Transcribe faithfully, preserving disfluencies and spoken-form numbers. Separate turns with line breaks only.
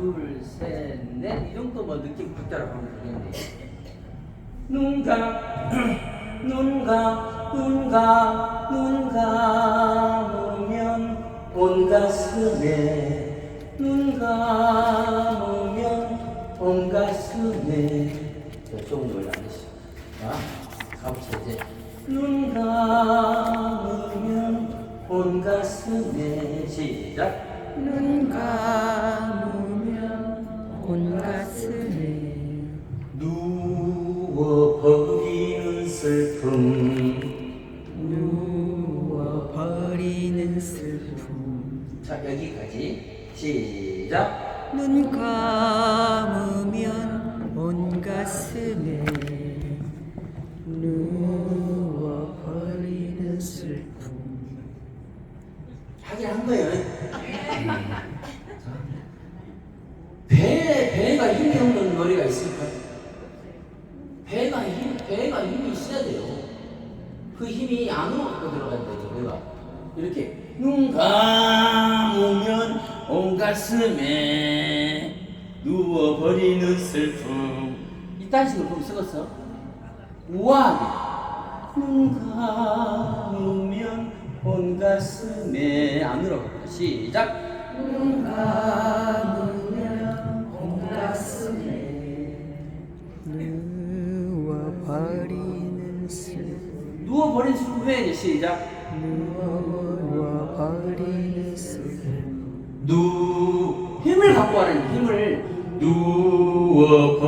둘, 셋, 넷. 이 정도 뭐 느낌 박자로 하면 되겠네. 눈 감, 눈 감, 눈 감, 눈 감으면 온 가슴에, 눈 감으면 온 가슴에. 조금 더 올라가시죠. 자, 가보자 이제. 눈 감으면 온 가슴에. 시작.
눈 감으면 온 가슴에
누워버리는 슬픔.
누워버리는 슬픔.
자, 여기까지. 시작.
눈 감으면 온 가슴에 누워버리는 슬픔.
하긴 한 거예요. 배, 배가 힘이 없는 머리가 있을까? 배가 힘, 배가 힘이 있어야 돼요. 그 힘이 안으로 갖고 들어가야 되죠, 배가. 이렇게. 눈 감으면 온 가슴에 누워버리는 슬픔. 이딴 식으로 좀 쓰겠어? 우아하게. 눈 감으면 온 가슴에. 안으로 갖고. 시작.
눈 감으면 온 가슴에 누워버리는 슬픔.
누워버린 슬픔 해야지. 시작.
누워버리는 슬픔.
누 힘을 갖고 하는 힘을 누워